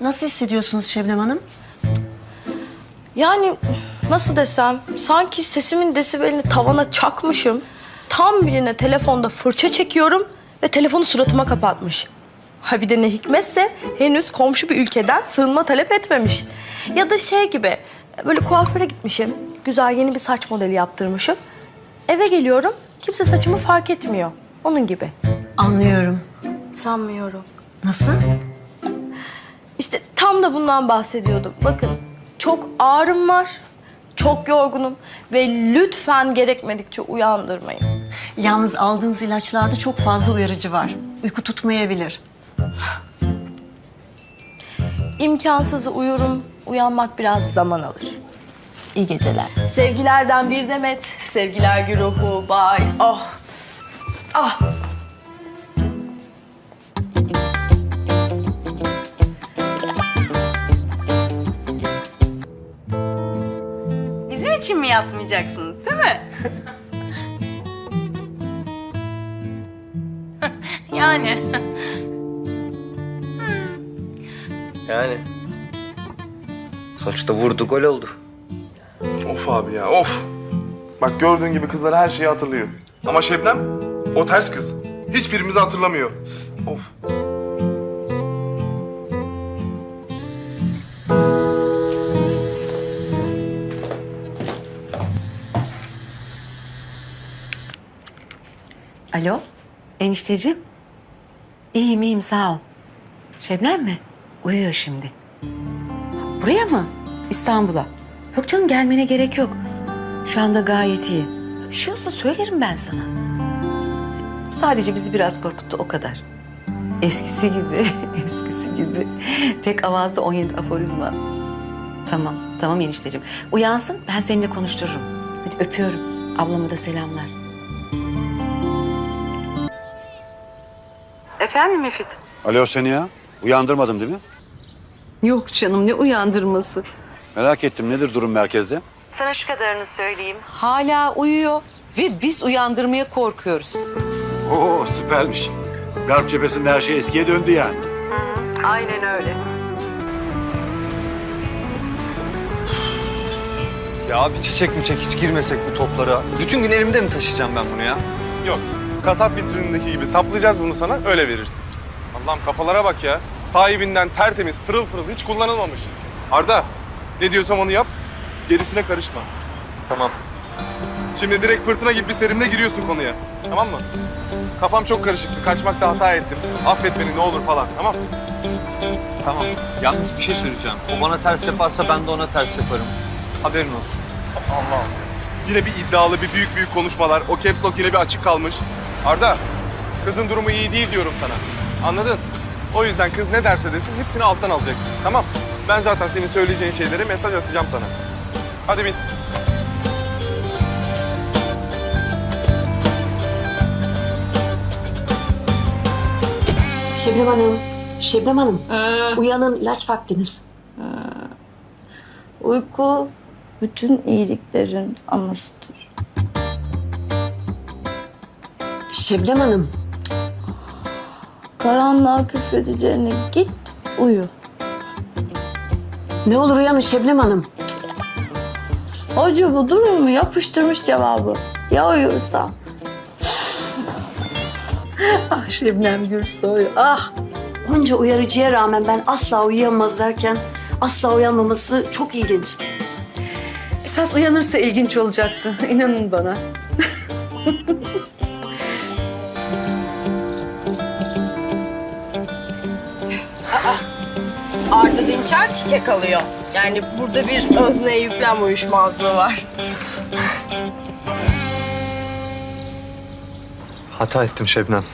Nasıl hissediyorsunuz Şebnem Hanım? Yani nasıl desem, sanki sesimin desibelini tavana çakmışım. Tam birine telefonda fırça çekiyorum ve telefonu suratıma kapatmış. Ha bir de ne hikmetse henüz komşu bir ülkeden sığınma talep etmemiş. Ya da şey gibi, böyle kuaföre gitmişim. Güzel yeni bir saç modeli yaptırmışım. Eve geliyorum, kimse saçımı fark etmiyor. Onun gibi. Anlıyorum. Sanmıyorum. Nasıl? İşte tam da bundan bahsediyordum. Bakın, çok ağrım var, çok yorgunum ve lütfen gerekmedikçe uyandırmayın. Yalnız aldığınız ilaçlarda çok fazla uyarıcı var. Uyku tutmayabilir. İmkansızı uyurum, uyanmak biraz zaman alır. İyi geceler. Sevgilerden bir demet, sevgiler güruhu, bay. Oh, ah. Bizim için mi yatmayacaksınız, değil mi? Yani. Yani. Sonuçta vurdu, gol oldu. Of abi ya, of. Bak gördüğün gibi kızlar her şeyi hatırlıyor. Ama Şebnem, o ters kız. Hiçbirimizi hatırlamıyor. Of. Alo, enişteciğim. İyiyim, iyiyim, sağ ol. Şebnem mi? Uyuyor şimdi. Buraya mı? İstanbul'a. Yok canım, gelmene gerek yok. Şu anda gayet iyi. Bir şey olsa söylerim ben sana. Sadece bizi biraz korkuttu, o kadar. Eskisi gibi, eskisi gibi. Tek avazda 17 aforizma. Tamam, tamam enişteciğim. Uyansın, ben seninle konuştururum. Hadi öpüyorum. Ablama da selamlar. Efendim Müfit? Alo Seniha, uyandırmadım değil mi? Yok canım, ne uyandırması? Merak ettim, nedir durum merkezde? Sana şu kadarını söyleyeyim. Hala uyuyor ve biz uyandırmaya korkuyoruz. Oo, süpermiş. Garp cephesinde her şey eskiye döndü yani. Aynen öyle. Ya abi çiçek hiç girmesek bu toplara. Bütün gün elimde mi taşıyacağım ben bunu ya? Yok, kasap vitrinindeki gibi saplayacağız bunu sana, öyle verirsin. Allah'ım kafalara bak ya. Sahibinden tertemiz, pırıl pırıl, hiç kullanılmamış. Arda, ne diyorsam onu yap, gerisine karışma. Tamam. Şimdi direkt fırtına gibi bir serimle giriyorsun konuya. Tamam mı? Kafam çok karışıktı, kaçmakta hata ettim. Affet beni ne olur falan, tamam mı? Tamam. Yalnız bir şey söyleyeceğim. O bana ters yaparsa ben de ona ters yaparım. Haberin olsun. Allah'ım. Yine bir iddialı, bir büyük konuşmalar. O caps lock yine bir açık kalmış. Arda, kızın durumu iyi değil diyorum sana. Anladın? O yüzden kız ne derse desin hepsini alttan alacaksın. Tamam? Ben zaten senin söyleyeceğin şeylere mesaj atacağım sana. Hadi bin. Şebnem Hanım, Şebnem Hanım. Uyanın, ilaç vaktiniz. Uyku bütün iyiliklerin anasıdır. Şebnem Hanım. Karanlığa küfredeceğine git uyu. Ne olur uyanın Şebnem Hanım. Hoca bu durumu yapıştırmış cevabı. Ya uyursam? Ah Şebnem Gürsoy, ah. Onca uyarıcıya rağmen ben asla uyuyamaz derken asla uyanmaması çok ilginç. Esas uyanırsa ilginç olacaktı, inanın bana. Arda Dinçer çiçek alıyor. Yani burada bir özneye yüklem uyuşmazlığı var. Hata ettim Şebnem.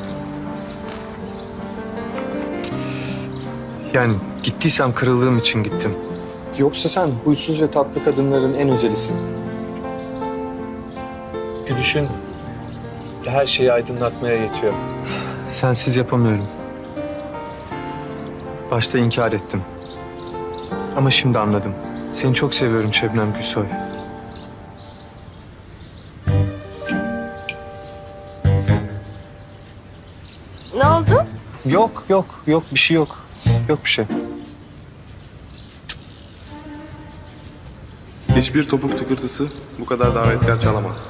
Yani gittiysem kırıldığım için gittim. Yoksa sen huysuz ve tatlı kadınların en özelisin. Gülüşün her şeyi aydınlatmaya yetiyor. Sensiz yapamıyorum. Başta inkar ettim. Ama şimdi anladım. Seni çok seviyorum Şebnem Gülsoy. Ne oldu? Yok bir şey yok. Yok bir şey. Hiçbir topuk tıkırtısı bu kadar davetkar çalamaz.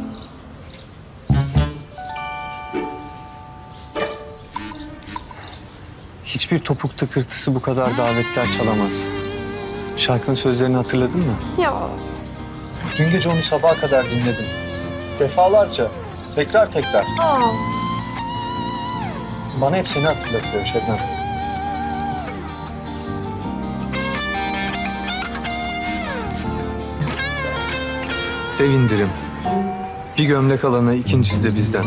Hiçbir topuk tıkırtısı bu kadar davetkar çalamaz. Şarkının sözlerini hatırladın mı? Ya. Dün gece onu sabaha kadar dinledim. Defalarca, tekrar tekrar. Bana hep seni hatırlatıyor Şebnem. Dev indirim. Bir gömlek alana ikincisi de bizden.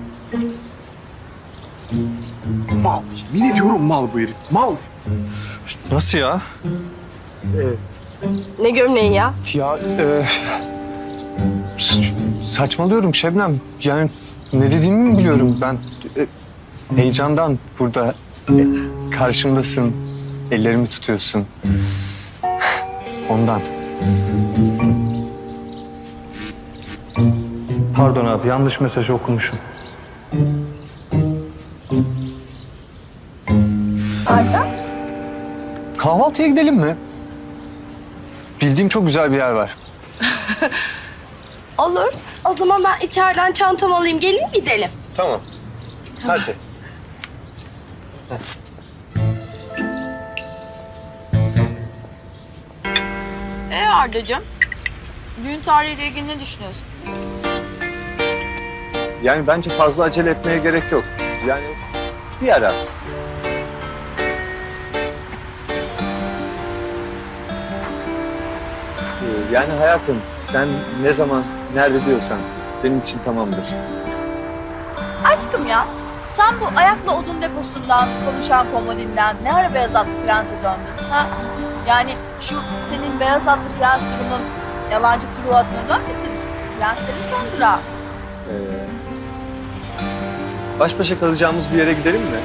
Mal. Yemin ediyorum mal bu herif. Mal. Nasıl ya? Ne gömleği ya? Ya saçmalıyorum Şebnem. Yani ne dediğimi mi biliyorum ben. Heyecandan burada karşımdasın. Ellerimi tutuyorsun. Ondan. Pardon abi, yanlış mesaj okumuşum. Arda? Kahvaltıya gidelim mi? Bildiğim çok güzel bir yer var. Olur. O zaman ben içeriden çantamı alayım, geleyim gidelim. Tamam. Hadi. Arda'cığım, düğün tarihiyle ilgili ne düşünüyorsun? Yani bence fazla acele etmeye gerek yok. Yani bir ara. Yani hayatım, sen ne zaman, nerede diyorsan benim için tamamdır. Aşkım ya, sen bu ayakla odun deposundan, konuşan komodinden ne ara beyaz atlı prense döndün? Ha? Yani şu senin beyaz atlı prens turunun yalancı Truvat'ına dönmesin. Prenslerin son durağı. Baş başa kalacağımız bir yere gidelim mi?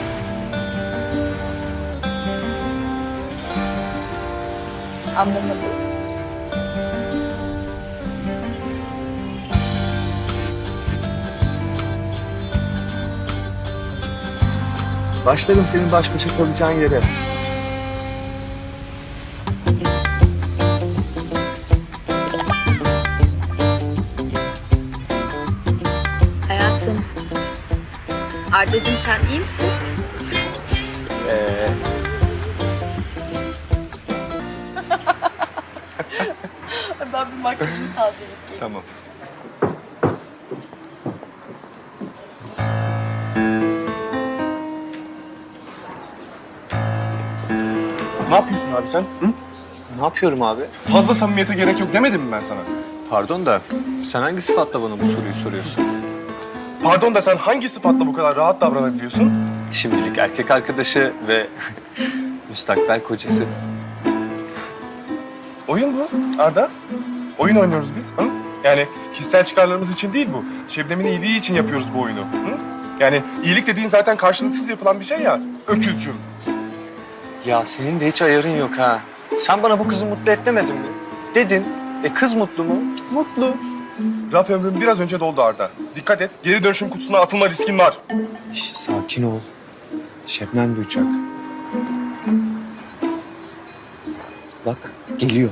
Anlamadım. Başlarım senin baş başa kalacağın yere. Hayatım. Arda'cığım sen iyi misin? Ben bir makyajımı tazeleyip geleyim. Tamam. Ne yapıyorsun abi sen? Hı? Ne yapıyorum abi? Fazla samimiyete gerek yok demedim mi ben sana? Pardon da sen hangi sıfatla bana bu soruyu soruyorsun? Pardon da sen hangi sıfatla bu kadar rahat davranabiliyorsun? Şimdilik erkek arkadaşı ve müstakbel kocası. Oyun bu Arda. Oyun oynuyoruz biz. Hı? Yani kişisel çıkarlarımız için değil bu. Şebnem'in iyiliği için yapıyoruz bu oyunu. Hı? Yani iyilik dediğin zaten karşılıksız yapılan bir şey ya. Öküzcüm. Ya senin de hiç ayarın yok ha. Sen bana bu kızı mutlu et demedin mi? Dedin. Kız mutlu mu? Mutlu. Raf ömrüm biraz önce doldu Arda. Dikkat et, geri dönüşüm kutusuna atılma riskin var. Şş, sakin ol. Şebnem duyacak. Bak geliyor.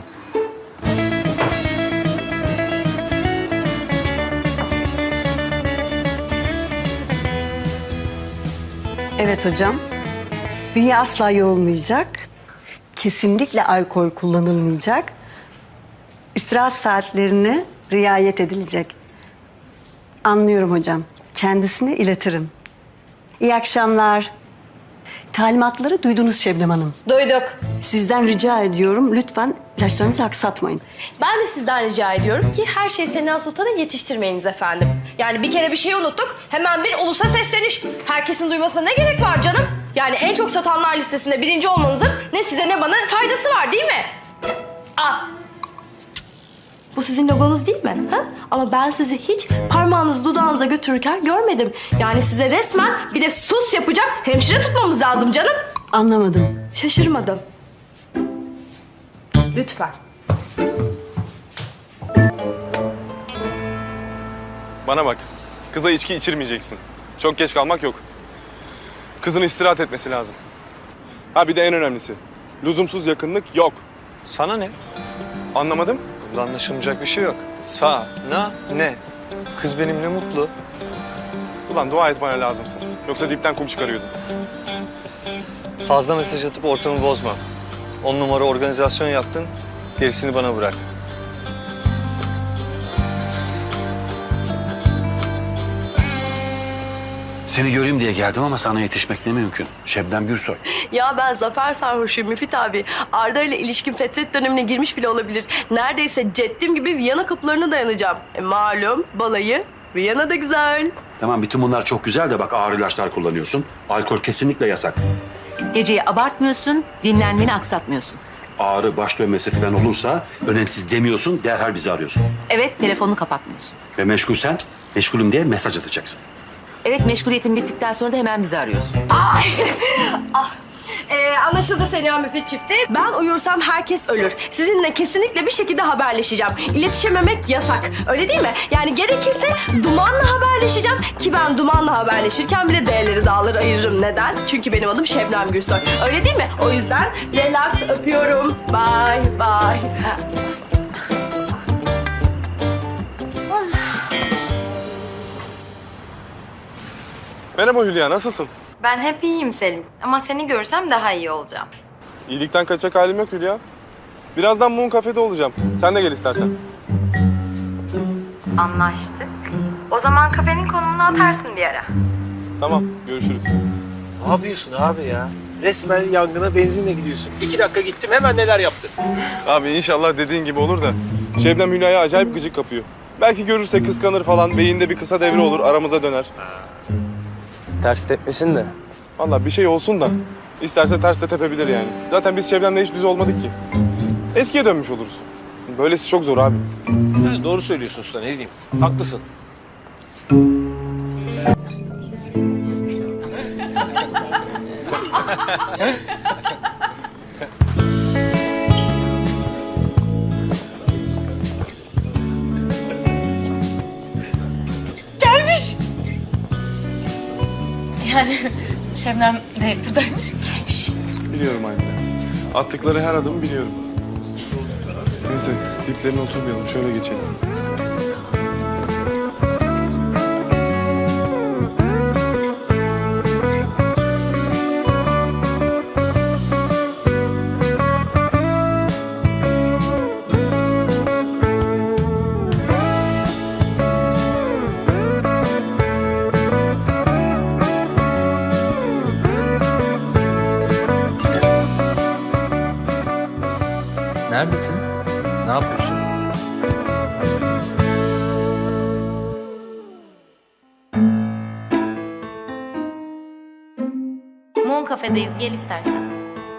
Evet hocam. Bünye asla yorulmayacak. Kesinlikle alkol kullanılmayacak. İstirahat saatlerine riayet edilecek. Anlıyorum hocam. Kendisine iletirim. İyi akşamlar. Talimatları duydunuz Şebnem Hanım. Duyduk. Sizden rica ediyorum lütfen ilaçlarınızı aksatmayın. Ben de sizden rica ediyorum ki her şeyi Sena Sultan'a yetiştirmeyiniz efendim. Yani bir kere bir şey unuttuk, hemen bir ulusa sesleniş. Herkesin duymasına ne gerek var canım? Yani en çok satanlar listesinde birinci olmanızın ne size ne bana faydası var değil mi? Aa! Bu sizin logonuz değil mi? Ha? Ama ben sizi hiç parmağınızı dudağınıza götürürken görmedim. Yani size resmen bir de sus yapacak hemşire tutmamız lazım canım. Anlamadım. Şaşırmadım. Lütfen. Bana bak, kıza içki içirmeyeceksin. Çok geç kalmak yok. Kızın istirahat etmesi lazım. Ha bir de en önemlisi, lüzumsuz yakınlık yok. Sana ne? Anlamadım. Bunda anlaşılmayacak bir şey yok. Ne? Kız benimle mutlu. Ulan dua et bana lazımsın. Yoksa dipten kum çıkarıyordum. Fazla mesaj atıp ortamı bozma. 10 numara organizasyon yaptın, gerisini bana bırak. Seni göreyim diye geldim ama sana yetişmek ne mümkün. Şebnem Gürsoy. Ya ben zafer sarhoşuyum Müfit abi. Arda ile ilişkin fetret dönemine girmiş bile olabilir. Neredeyse ceddim gibi Viyana kapılarına dayanacağım. Malum balayı Viyana da güzel. Tamam, bütün bunlar çok güzel de bak, ağır ilaçlar kullanıyorsun. Alkol kesinlikle yasak. Geceyi abartmıyorsun, dinlenmeni aksatmıyorsun. Ağrı, baş dönmesi falan olursa önemsiz demiyorsun, derhal bizi arıyorsun. Evet, telefonunu kapatmıyorsun. Ve meşgulsen, meşgulüm diye mesaj atacaksın. Evet, meşguliyetin bittikten sonra da hemen bizi arıyorsun. Anlaşıldı Seniha Müfit çifti. Ben uyursam herkes ölür. Sizinle kesinlikle bir şekilde haberleşeceğim. İletişememek yasak. Öyle değil mi? Yani gerekirse dumanla haberleşeceğim. Ki ben dumanla haberleşirken bile değerleri dağları ayırırım. Neden? Çünkü benim adım Şebnem Gürsoy. Öyle değil mi? O yüzden relax, öpüyorum. Bye bye. Merhaba Hülya, nasılsın? Ben hep iyiyim Selim. Ama seni görsem daha iyi olacağım. İyilikten kaçacak halim yok Hülya. Birazdan Moon Cafe'de olacağım. Sen de gel istersen. Anlaştık. O zaman kafenin konumunu atarsın bir ara. Tamam, görüşürüz. Ne yapıyorsun abi ya? Resmen yangına benzinle gidiyorsun. 2 dakika gittim, hemen neler yaptın? Abi inşallah dediğin gibi olur da Şebnem Hülya'ya acayip gıcık kapıyor. Belki görürse kıskanır falan, beyinde bir kısa devre olur, aramıza döner. Ters tepmesin de. Vallahi bir şey olsun da isterse ters de tepebilir yani. Zaten biz Şebnem'le hiç düz olmadık ki. Eskiye dönmüş oluruz. Böylesi çok zor abi. Yani doğru söylüyorsun usta, ne diyeyim? Haklısın. Şebnem de buradaymış. Gelmiş. Biliyorum anne. Attıkları her adımı biliyorum. Neyse diplerine oturmayalım, şöyle geçelim. Neredesin? Ne yapıyorsun? Moon Cafe'deyiz. Gel istersen.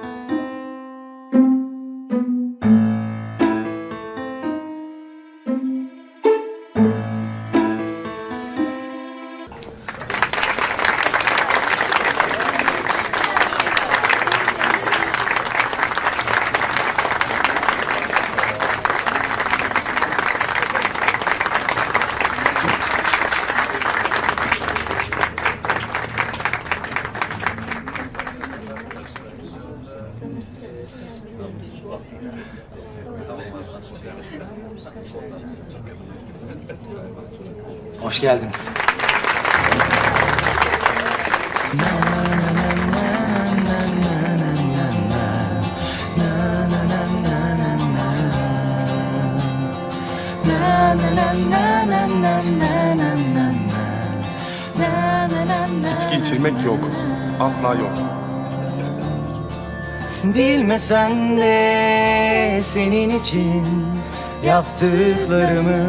Hoş geldiniz. İçki içirmek yok. Asla yok. Bilmesen de senin için yaptıklarımı,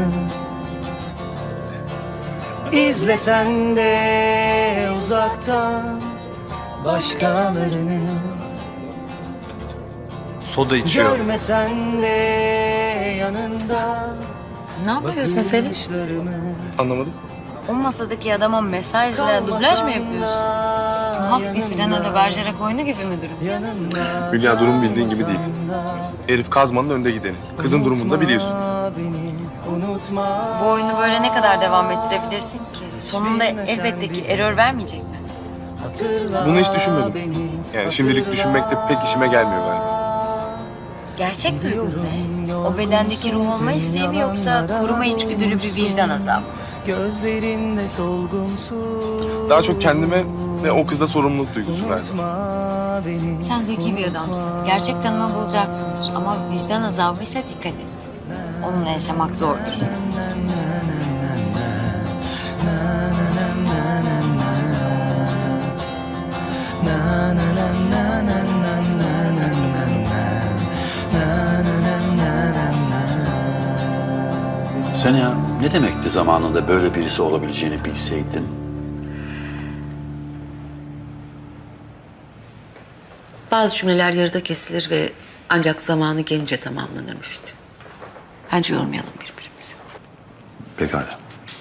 İzlesen de uzaktan başkalarını, Soda içiyor. görmesen de yanında Ne yapıyorsun Selim? bakışlarımı. Anlamadım. O masadaki adama mesajla dublaj mı yapıyorsun? Tuhaf bir Cyrano de Bergerac oyunu gibi mi durum? Yanımda Hülya durum bildiğin gibi değil. Herif kazmanın önde gideni. Kızın durumunu da biliyorsun. beni unutma. Bu oyunu böyle ne kadar devam ettirebilirsin ki? Sonunda elbette ki error vermeyecek mi? Hatırla Bunu hiç düşünmedim. beni. Yani şimdilik düşünmek de pek işime gelmiyor galiba. Gerçek duygu ne? O bedendeki ruh olma isteği mi yoksa koruma içgüdülü bir vicdan azabı? Gözlerinde solgunsun. Daha çok kendime ve o kıza sorumluluk duygusu verdim. Unutma beni. Sen zeki bir adamsın. Gerçek tanıma bulacaksındır. Ama vicdan azabı ise dikkat et. Onunla yaşamak zordur. Sen ya ne demekti zamanında böyle birisi olabileceğini bilseydin? Bazı cümleler yarıda kesilir ve ancak zamanı gelince tamamlanır Müftü. Bence yormayalım birbirimizi. Pekala.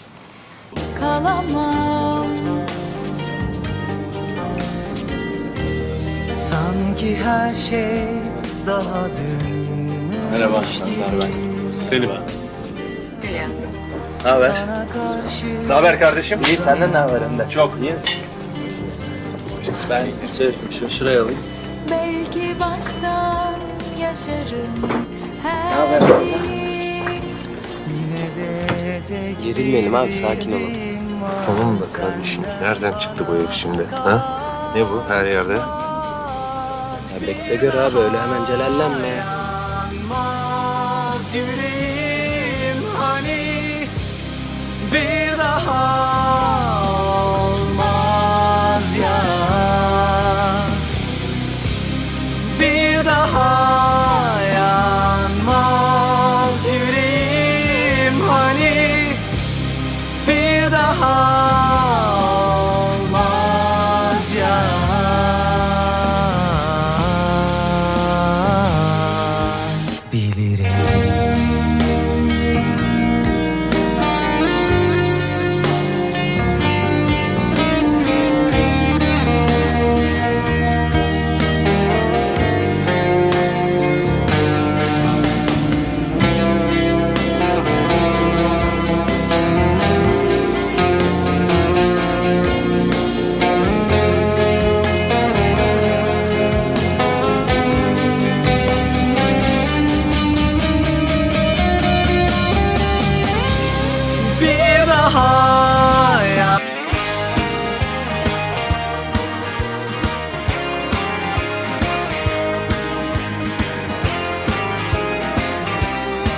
Kalamam. Sanki her şey daha dün. Merhaba, ben. Selim ha. Hülya. Ne haber? Sana karşı Ne haber kardeşim? İyi, senden ne haber Önder? Çok, iyi misin? Ben şuraya alayım. Belki baştan yaşarım her haber şeyi. yine de tek Gerilmeyelim abi, sakin olalım. Tamam da kardeşim, nereden çıktı bu herif şimdi? Ha? Ne bu her yerde? Ya bekle gör abi, öyle hemen celallenme. yanmaz yüreğim.